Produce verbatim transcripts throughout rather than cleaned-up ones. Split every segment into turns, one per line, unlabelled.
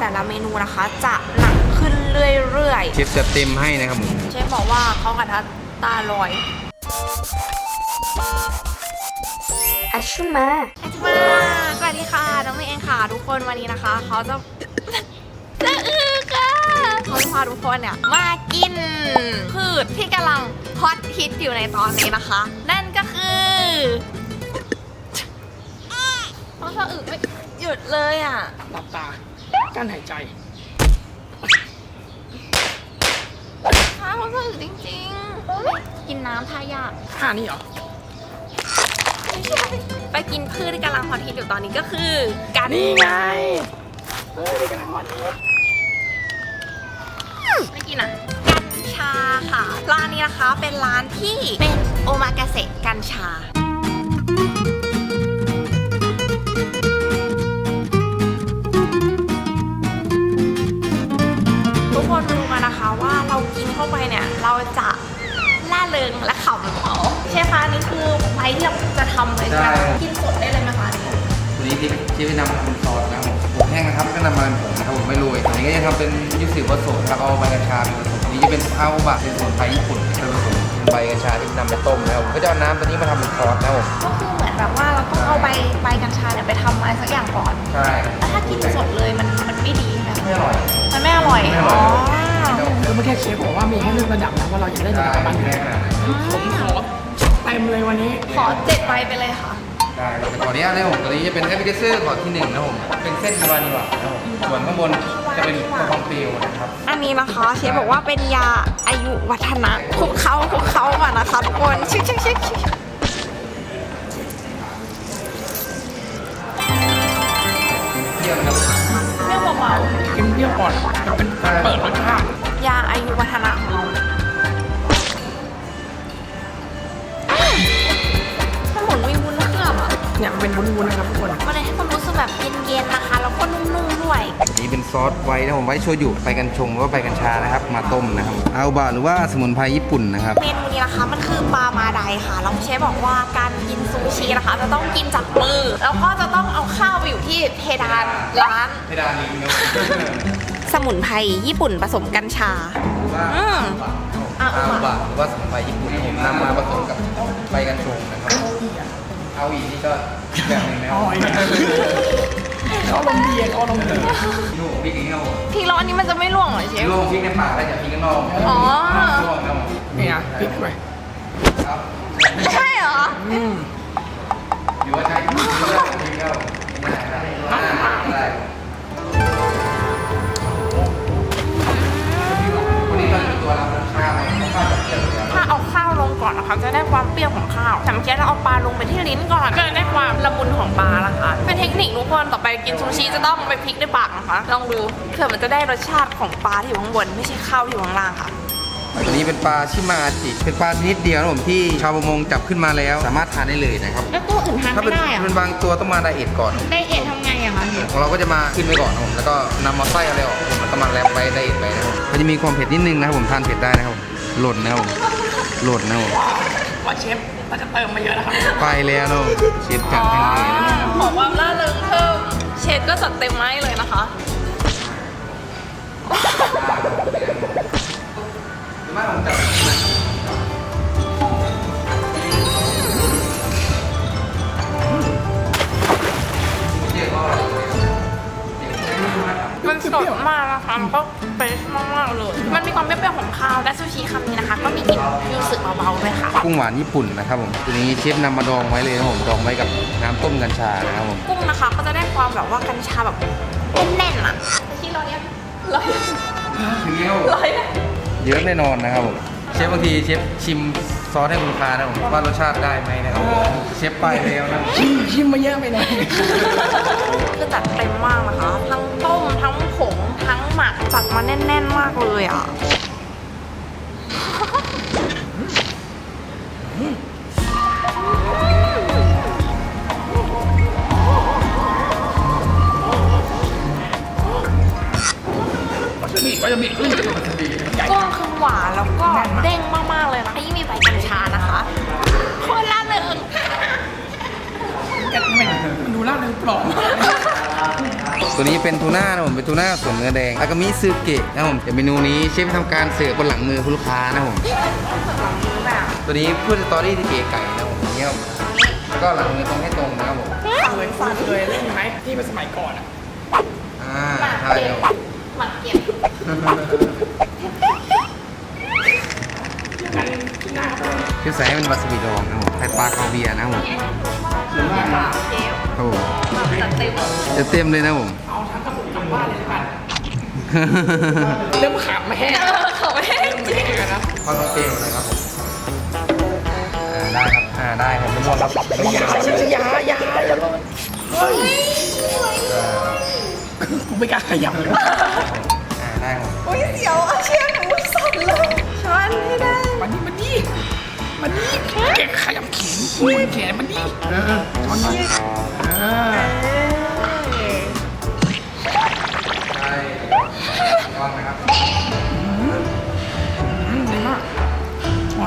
แต่ละเมนูนะคะจะหนักขึ้นเรื่อยๆ
เชฟจะเต็มให้นะครับผม
เชฟบอกว่าเขากระทะตาลอย
อัชชุมา
อัชมาสวัสดีค่ะน้องเมย์เองค่ะทุกคนวันนี้นะคะเขาจะจะอือค่ะเขาจะพาทุกคนเนี่ยมากินพืชที่กำลังฮอตฮิตอยู่ในตอนนี้นะคะ นั่นก็คือเขาสะอึกไม่หยุดเลยอ่ะ
หลับตากั้นหายใจ
ท้าเขาสะอึกจริงๆกินน้ำท่ายาก
ท่านี้เหรอ
ไปกินพืชที่กำลังฮอตฮิตอยู่ตอนนี้ก็คือกัญ
นี่ไงเฮ้ยกำลังฮอตฮิต
ไม่กินอ่ะกัญชาค่ะร้านนี้นะคะเป็นร้านที่เป็นโอมากาเสะกัญชาทุกคนมาดูกันนะคะว่าเรากินเข้าไปเนี่ยเราจะล่าเริงและขำเขาเชฟคะนี่คือไฟที่เราจะทำเลยใช่ไหมกินสดได้เลยไหมคะ
ตัวนี้ที่เชฟนำมาเป็นซอสนะครับผมผมแห้งนะครับก็นำมาเป็นผงนะครับผมไม่โรยตัวนี้ก็จะทำเป็นยูสุผสมครับเอาใบกัญชาเป็นผสมนี้จะเป็นอาโอบะเป็นสมุนไพรญี่ปุ่นเป็นผสมเป็นใบกัญชาที่นำไปต้มนะครับผมก็จะเอาน้ำตัวนี้มาทำเป็นซอสนะครับผม
ก็คือเหมือนแบบว่าเราต้องเอาใบใบกัญชาเนี่ยไปทำอะไรสักอย่างก่อน
ใช่
แล้วถ้ากินสดเลยมันมันไม่ดีนะ
ไม่อร่อย
มันไม่อร่อยอ๋อ
คือเมื่อกี้เชฟบอกว่ามีให้เลือกระดับนะว่าเราอยากได้ระดับประมาณไหนผมขอเต็มเลยวันนี้
ขอเจ็ดใบไปเลยค่ะ
ได้แต่ขออนุญาตนะผมตัวนี้จะเป็นแอปเปิลเซอร์ขอที่หนึ่งนะผมเป็นเส้นวานิลลานะผมส่วนข้างบนจะเป็นกระเพาะเปรี้ยวนะครับ
อันนี้นะคะเชฟบอกว่าเป็นยาอายุวัฒนะคลุกเขาคลุกเขาก่อนนะคะทุกคนชิคชิคชิค
เปรี้ยวนะครับ
เปรี้ยวเบา
ๆกินเปรี้ยวก่อนมันเป็นเปิดรสชาติ
ยาอายุวัฒนะของเรามันเหมือนมีวุ้นเคลือบอ่ะ
เนี่ยมันเป็นวุ้นๆนะครับทุกคน
มันเลยให้ความรู้สึกแบบเย็นๆนะคะแล้วก็นุ่มๆด้วย
นี่เป็นซอสไว้นะผมไว้โชยุใบกัญชงหรือว่าใบกัญชานะครับมาต้มนะครับอาโอบะหรือว่าสมุนไพรญี่ปุ่นนะครับ
เมนูนี้นะคะมันคือปลามาไดค่ะแล้วเชฟบอกว่าการกินซูชินะคะจะต้องกินจากมือแล้วก็จะต้องเอาข้าวไปอยู่ที่เพดานร้าน
เพดานนี้เนาะ
สมุนไพรญี่ปุ่นผสมกัญชาอืม
อาโอบะหรือว่าสมุนไพรญี่ปุ่นผมนำมาผสมกับใบกัญชงนะครับเอาอีกนี่ก็แบบนึงแล้ว
เขาลมดีเขาลมดี
ลูกพริกอีกแล้ว
พริกร้อนนี้มันจะไม่ร่วงเหรอเชฟ
ลูกพริกในปากได้จากพริกข้างนอก
อ๋อ
ร่วงครับ
นี่นะพริกด้วย
ครับ
ใช่เหรอ
อืม
อยู่ว่าใช่พริกแล้วได้วันนี้เราจะตัวรับข้าวข้าวจะเปรี้ยวถ้
าเอาข้าวลงก่อนนะคะจะได้ความเปรี้ยวของข้าวแต่เมื่อกี้เราเอาปลาลงไปที่ลิ้นก่อนก็จะได้ความละมุนของปลาละค่ะเป็นเทคนิคทุกคนต่อไปกินซูชิจะต้องไปพลิกในปากนะคะลองดูเผื่อมันจะได้รสชาติของปลาที่อยู่ข้างบนไม่ใช่ข้าวที่อยู่ข้างล่างค่ะ
อันนี้เป็นปลาชิมาจิเป็นปลาชนิดเดียวนะผมที่ชาวประมงจับขึ้นมาแล้วสามารถทานได้เลยนะครับ
แล้วตัวอื่นทานไม่ได้อะ
เป็นบางตัวต้องมาไดเอทก่อน
ไดเอททำไงอะคะ
ของเราก็จะมาขึ้นไปก่อนนะผมแล้วก็นำมาไส้อะไรออกผมแล้วก็มาแรปไปไดเอทไปนะครับมันจะมีความเผ็ดนิดนึงนะครับผมทานเผ็ดได้นะครับหล่นนะครับหล่นนะผม
ว่าเชฟเราจะเติมมาเยอะนะครับ
ไปแล้วเนาะเชฟจัดให้เลยนะครับ
บอกว่าล่าเริงเพิ่มเชฟก็จัดเต็มไม้เลยนะคะ
มาลองจับ
มันสดมากนะคะมันก็เฟรชมากๆเลยมันมีความเปรี้ยวๆของข้าวและซูชิคำนี้นะคะก็มีกลิ่นยูสึเบาๆด้วยค่ะ
กุ้งหวานญี่ปุ่นนะครับผมตัวนี้เชฟนำมาดองไว้เลยนะผมดองไว้กับน้ำต้มกัญชานะครับผม
กุ้งนะคะก็จะได้ความแบบว่ากัญชาแบบแน่นๆอ่ะที่เราเนี้ยร้อย
ถึงแล้ว
ร้อย
เยอะแน่นอนนะครับผมเชฟบางทีเชฟชิมซอสให้คุณลูกค้านะผมว่ารสชาติได้ไหมนะครับเชฟไปแล้วนะ
ชิมชิมมาเยอะไปหน่อย
คือจัดเต็มมากนะคะทั้งต้มทั้งผงทั้งหมักจัดมาแน่นๆมากเลยอ่ะ
ก็จะมีกุ้ง
คือหวานแล้วก็เด้งมากๆเลยนะยิ่งมีใบกัญชานะคะโคตรล่าเริง
มันดูล่าเริงปลอม
ตัวนี้เป็นทูน่านะผมเป็นทูน่าส่วนเนื้อแดงอากามิซึเกะนะผมเดี๋ยวเมนูนี้เชฟทำการเสิร์ฟบนหลังมือคุณลูกค้านะผมตัวนี้พูดสตอรี่ที่เก๋ไก่นะผมอย่างเงี้ยแล้วก็หลังมือตรงให้ตรงนะครับผม
เคยฟังเคยเล่นไหมที่เป็นสมัยก่อนอ่ะ
อ่าใช่ครับผม
หมักเก็บ
คือใส่ให้มันวาซาบิดองนะครับผมไข่ปลาคาเวียร์นะครับผม
เชฟ
ครับผม
จัดเต็ม
จะเต็มเลยนะผม
เอาทั้งกระปุกกลับบ้านเลยละกันเริ่มขาดไม่แห้ง
เออเขาไม่ให้จริง
นะ
ข้าวต้มเปรี้ยวนะครับผมอ่าได้ครับอ่าได้ผมไม่หมดครับ
อย่าอย่าอย่าอย่าลงเฮ้ยกูไม่กล้าขยับเลย
อ่าได้ครับ
โอ้ยเสียวอาเชียหนูสั่นเลยช้อนไม่ได้
มันนี่มันนี่มันนี่แกขยับแขนมันแขนมันนี่เออช้อนนี่เออ
ได้ย้อนนะครับ
อืมดีมากช้อน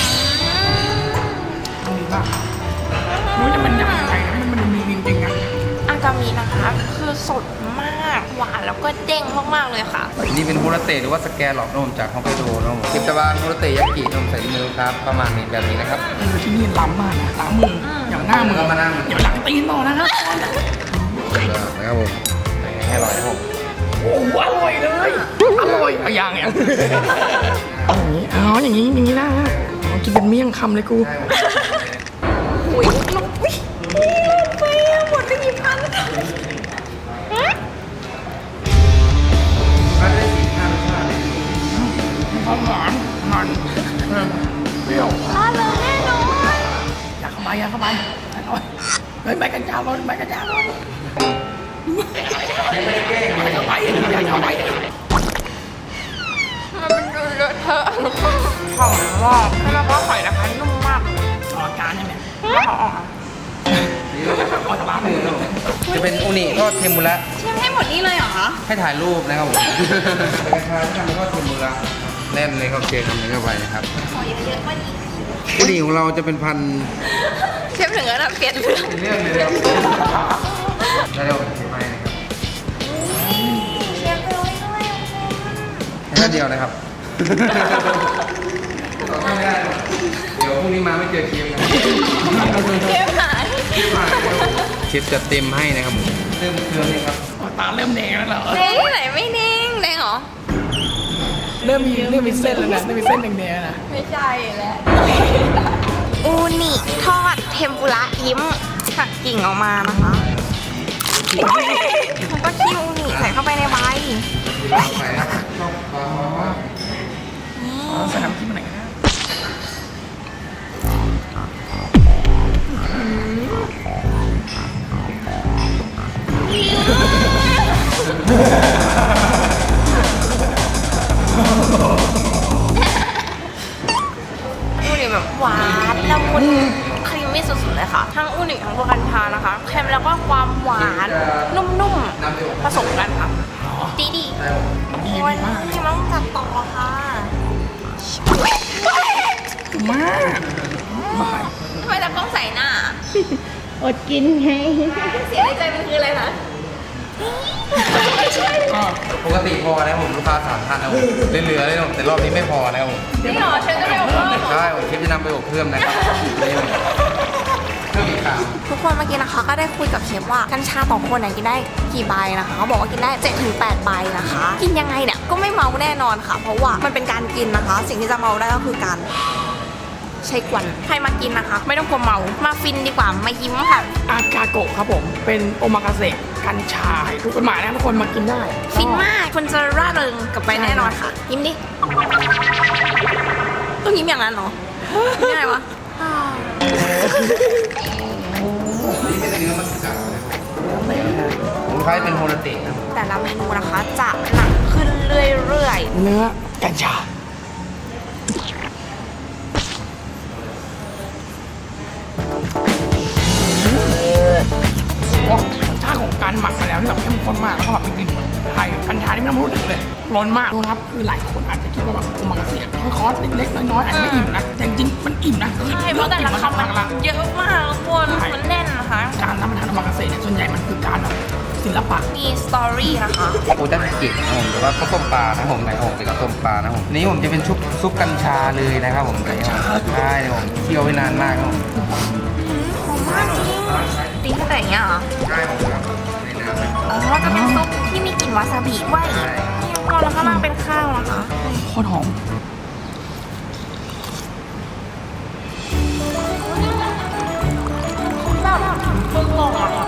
ดีมากรู้จะมันยังไงมันมันมีจริงๆอ่ะ
อากามินะคะ คือสดมากหวานแล้วก็เด้งมากๆเลยค่ะ
นี่เป็นฮูราเตะหรือว่าสแกนหลอกนมจากฮอกไกโดนะผมกิบตะวันฮูราเตะยากินมใส่ในมือครับประมาณนี้แบบนี้นะครับ
เออที่นี่ล้ำมากนะล้างมืออย่างหน้ามือ
เอามานั่ง
อย่าหลังตีนต่อนะครับ
นะครับผมให้อร่อยนะครับผม
โอ้โหอร่อยเลยอร่อยอะอย่างเงี้ยเอาอย่างนี้อ๋ออย่างนี้อย่างนี้นะเอากินเป็นเมี่ยงคำเลยกู
ใช่ผม
อุ้ยลูกอุ้ยไปอะหมดไปกี่พันแล้ว
ก็ได้สี่ห้ารสชาติเลย
ความหวานมันเออเปรี้ยว
มาเลยแน่นอน
อยากเข้าไปอยากเข้าไปอร่อยเฮ้ยใบกัญชาร้อนใบกัญชาร้อนอยากเข้าไปอยากเข้าไป
มันเป็นดูเลอะเทอะหอมมากแล้วก็ไข่นะคะนุ่มมาก
ต่อการใช่ไหม
หอม
เอาตะบ้าไปเลย
จะเป็นอุนิทอดเทมปุระ
เชฟให้หมดนี่เลยเหรอคะ
ให้ถ่ายรูปนะครับผมเป็นกระชายที่ทำเป็นทอดเทมปุระแน่นเลยครับเชฟทำนี้เข้าไปนะครับ
ขอเยอะๆกว่านี้
อุนิของเราจะเป็นพัน
เชฟถึงแล้วเปลี่ยนเรื่อง
เรื่องเลยครับได้เร็วเชฟไปนะครับ
เชฟโรยด้วย
แค่เดียวนะครับเดี๋ยวพรุ่งนี้มาไม่เจอเชฟนะ
เชฟหาย
เชฟจะเต็มให้นะครับผมเริ่มเครื่องนี่ครับ
ตาเริ่มแดงแล้วเหรอ
เด้งที่ไหนไม่เด้งเด้งเหรอ
เริ่มมีเริ่มมีเส้นแล้วนะเริ่มมีเส้นแดงๆนะ
ไม่ใช่แล้วอูนิทอดเทมปุระยิ้มหักกิ่งออกมานะคะแล้วก็คิวอูนิใส่เข้าไปในใบ
ใส่นะครับชอบปลาหอม
ใส่น้ำจิ้มอะไรกันนะ
อูนิแบบหวานละมุนครีมมี่สุดๆเลยค่ะ ทั้งอูนิทั้งตัวกัญชานะคะเค็มแล้วก็ความหวานนุ่มๆผสมกันค่ะดีดี
ใช่ผม
ดี
วัน
มาก
นี้ต้องจัดต่อค่ะ
มากมาก
ทำไมจะต้องใส่หน้า
อดกินไง
เสียในใจมันคืออะไรนะ
ก็
ปกติพอนะครับผมลูกค้าสามท่านนะผมเหลือๆเลยนะผมแต่รอบนี้ไม่พอนะครับผม
นี่หรอฉันจะไปเอาเพิ่ม
ใช่ผมคิดจะนำไปอบเพิ่มนะครับนี่ผมเพิ่มอีกครั้ง
ทุกคนเมื่อกี้นะคะก็ได้คุยกับเชฟว่ากัญชาต่อคนเนี่ยกินได้กี่ใบนะคะเขาบอกว่ากินได้ เจ็ดถึงแปด ใบนะคะ กินยังไงเนี่ยก็ไม่เมาแน่นอนค่ะ เพราะว่ามันเป็นการกินนะคะ สิ่งที่จะเมาได้ก็คือการใช้ควันใครมากินนะคะ ไม่ต้องกลัวเมามาฟินดีกว่ามายิ้มค่ะ
อากาโกะครับผมเป็นโอมากาเสะกัญชาทุกกฎหมายนะทุกคนมากินได้
ฟินมากคุณจะร่าเริงกลับไปแน่นอนค่ะ ยิ้มดิต้องยิ้มอย่างนั้นเหรอยิ้มยังไงวะ
นี่เป็นเนื้อมัสกัดนะครับผมคล้ายเป็นโฮลาเตะนะครับ
แต่ละเมนูนะคะจะหนักขึ้นเรื่อย
เนื้อกัญชาโอ้รสชาติของการหมักมาแล้วที่แบบเข้มข้นมากแล้วก็แบบเป็นกลิ่นไทยกัญชาที่ไม่ต้องรู้ถึงเลยร้อนมากนะครับคือหลายคนอาจจะคิดว่าแบบโอมากาเสะแค่คอร์สเล็กๆน้อยๆอาจจะไม่อิ่มนะแต่จริงๆมันอิ่มนะ
ๆใช่เพราะแต่ละคำมันเยอะมากทุกคนมันแน่นนะคะ
การรับประทานโอมากาเสะเนี่ยส่วนใหญ่มันคือการแบบศิลปะ
มีสตอรี่นะคะ
โอด้านเก่งนะผมหรือว่าข้าวต้มปลานะผมในผมเป็นข้าวต้มปลานะผมนี่ผมจะเป็นชุบซุปกัญชาเลยนะครับผมใช่ผมเคี่ยวไว้นานมากครับผม
หอมมากจริงตีตั้งแต่อย่างเงี้ยเหรอ
ใช่ผมครับในน้ำนะ
อ๋อจะเป็นซุปที่มีกลิ่นวาซาบิด้วยนี่ทุกคนแล้วข้างล่างเป็นข้าวนะคะ
โคตรหอม
แบบตึงลงอ่ะ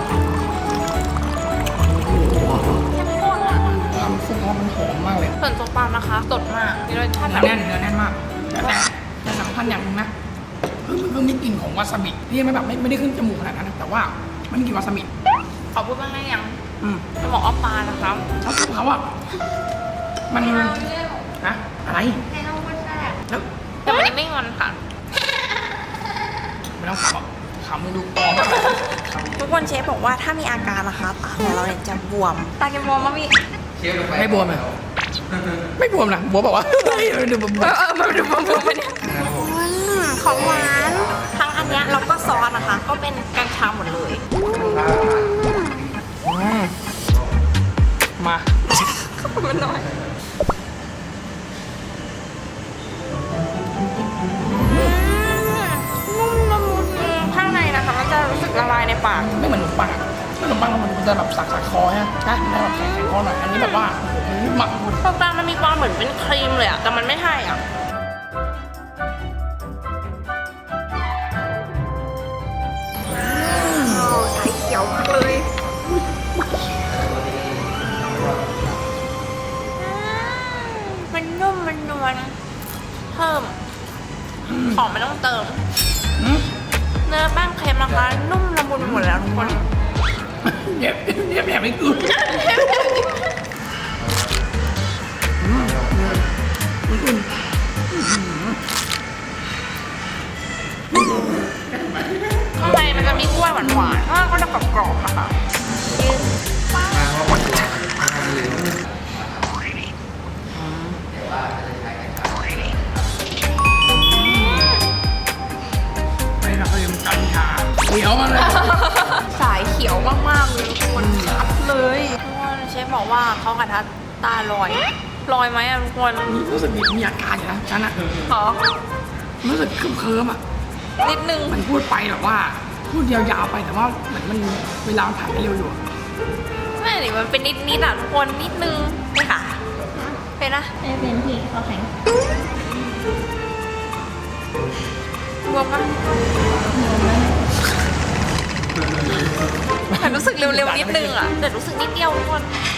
เข้มข้นอ่ะ
น้ำซุปเขามันหอมมากเลย
ส่วนตัวปลานะคะสดมากมีรสชาติ
เนื้
แบ
อบ แน่นเนื้อแน่นมากแต่แต่แต่สำคัญอย่างหนึงนะคือมันคือมีกลิ่นของวาซาบิที่ไม่แบบไม่ไม่ได้ขึ้นจมูกขนาดนั้นนะแต่ว่ามันมีกลิ่นวาซาบิ
ขอพูดบ้างได้ยัง
อืม
จะบอกว่าปลานะคะ
แล้วซุปเขาอะมันนะอะไร
ให้เราไม่แซ่บ
แล้ว
แต่วันนี้ไม่งอนค่ะ
ไม่ต้องขำหรอกขำมึงดูปลอมมาก
ทุกคนเชฟบอกว่าถ้ามีอาการนะคะตาของเราเนี่ยจะบวม ตาแกบวมมั้ยพี่
เคี่ยวลงไป
ไม่บวมเลยไม่บวมนะบัวบอกว่าเฮ้ยดูบวม
เออเออมาดูบวมบวมไปเนี่ยของหวานทั้งอันเนี้ยแล้วก็ซอสนะคะ ก็เป็นกัญชาหมดเลย
มา
มันน้อยนุ่มละมุนข้างในนะคะมันจะรู้สึกละลายในปาก
ไม่เหมือนขนมปังอะขนมปังมันจะแบบสักสักคอฮะใช่มันแบบแข็งแข็งคอหน่อยอันนี้แบบว่าโอ้โหหมัก
ตรงกลางมันมีความเหมือนเป็นครีมเลยอะแต่มันไม่ใช่อะใส่เขียวมากเลยมันนุ่มมันนวลเพิ่ม ของไม่ต้องเติม
อืม
เนื้อแป้งเค็มนะคะนุ่มละมุนหมดแล้วทุกคน
เย็บเย็บแอบไม่กูอืมอืม
ข้างในมันจะมีกล้วยหวานๆข้างล่างก็จะกรอบๆนะคะยืน
มาเพราะว่าตัวทานเลยแต่ว่าจะใช้กัญชา
ไม่ละเลยมันกัญชาเขียวมาเลย
สายเขียวมากๆเลยทุกคนชัดเลยทุกคนเชฟบอกว่าเขากระทะตาลอยลอยไหมอะทุกคน
นี่รู้สึกมีมีอาการอยู่นะฉันอะ
ขอ
รู้สึกเคลิ้มเคลิ้มๆอะ
นิดนึง
มันพูดไปแบบว่า พูดยาวๆไปแต่ว่าเหมือนมันเวลามันผ่านไปเร็วอยู่อะ
ไม่หรือมันเป็นนิดๆอ่ะทุกคนนิดนึงนี่ค่ะเป็นนะ
ไม่เป็นที่เขาแข็ง
รวมกันแต่รู้สึกเร็วๆนิดนึงอ่ะแต่รู้สึกนิดเดียวทุกคน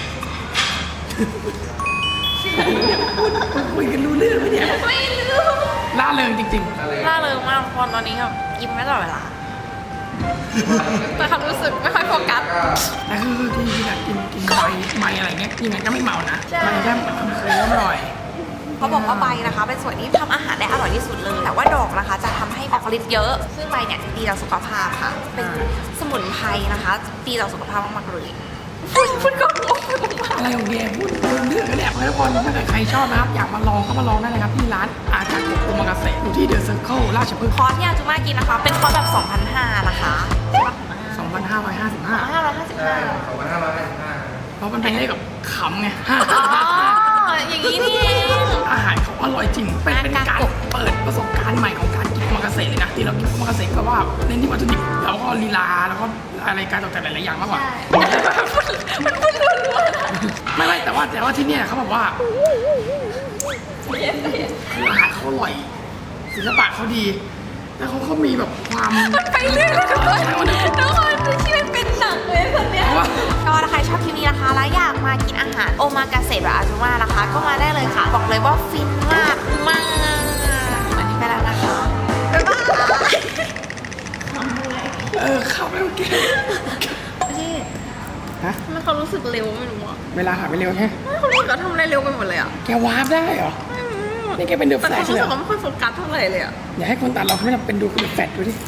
คุยกันรู้เรื่องไหมเนี่ย
ไม่รู้
ล่าเริงจริง
ล่าเริงมากทุกคนตอนนี้แบบยิ้มไม่ตลอดเวลาแต่ความรู้สึกไม่ค่อยโฟกัส
ๆแต่คือที่ที่แบบกินกินใบใบอะไรเงี้ยยังไงก็ไม่เมานะ
ใช่
มันแค่มันเคลิ้มๆหน่อย
เขาบอกว่าใบนะคะเป็นส่วนที่ทำอาหารได้อร่อยที่สุดเลย แต่ว่าดอกนะคะจะทำให้ออกฤทธิ์เยอะ ซึ่งใบเนี่ยดีต่อสุขภาพค่ะ เป็นสมุนไพรนะคะดีต่อสุขภาพมากๆเลยพูดก่อนพูดก่อน
อะไรของแกพูดเรื่องกันเนี่ยทุกคนถ้าเกิดใครชอบนะครับ อยากมาลองก็มาลองได้เลยครับที่ร้านอาจารย์โอมากาเสะอยู่ที่เดอะเซอร์เคิลราชพฤกษ์
คอร์สที่อาจุมากินนะคะ เป็นคอร์สแบบ สองพันห้าร้อย นะคะ
สองพันห้าร้อยห้าสิบห้า
ห้าร้อยห้าสิบห้า
สองพันห้าร้อยห้าสิบห้า
เพราะมันเป็นเลขกับขำไง
อ๋อ อย่างนี้นี่เอง
อาหารเขาอร่อยจริง เป็นเป็นการเปิดประสบการณ์ใหม่ของการกินโอมากาเสะเลยนะ ที่เรากินโอมากาเสะก็ว่าเน้นที่วัตถุดิบแล้วก็ลีลาแล้วก็อะไรการตกแต่งหลายๆอย่างมากกว่า ไม่ไม่แต่ว่าแต่ว่าที่เนี่ยเขาบอกว่าคืออาหารเขาอร่อยศิลปะเขาดี แล้วเขาเขามีแบบความ
ไปเรื่อยเลยทุกคนทุกคนที่มันเป็นหนังเลยคนเนี้ย
เพราะว่า
ก็ถ้าใครชอบคลิปนี้นะคะ แล้วอยากมากินอาหารโอมากาเสะแบบอาจุมานะคะ ก็มาได้เลยค่ะ บอกเลยว่าฟินมากมากวันนี้ไปแล้วนะคะบ๊ายบาย
เออเข้าไปโอเค
พี่
ฮะ
ทำไมเขารู้สึกเร็วไม่รู้อ่ะ
เวลาหายไปเร็วแค่
เขารู้สึกเขาทำอะไรเร็วไปหมดเลยอ่ะ
แกวาร์ปได้เหรอ นี่แกเป็นเดอะแฟ
แต่
ล
เขา
ช
รู้
เลย
สึ
เหรอ
กเขาไม่ค่อยโฟกัสเท่าไหร่เลยอ่ะ
อย่าให้คนตัดเราเขาไม่ทำเป็นดูคุณเดอะแฟลชดูดิ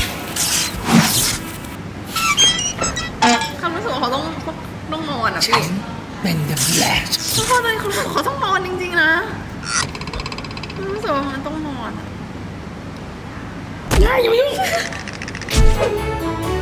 เขารู้สึกว่าเขาต้องต้องนอนอ่ะพี่
เป็นเดอะแฟลช
ทุกคนเลยเขารู้สึกว่าเขาต้องนอนจริงๆนะรู้สึกว่ามันต้องนอนอะ
ง่ายอยู่ามายุ่ง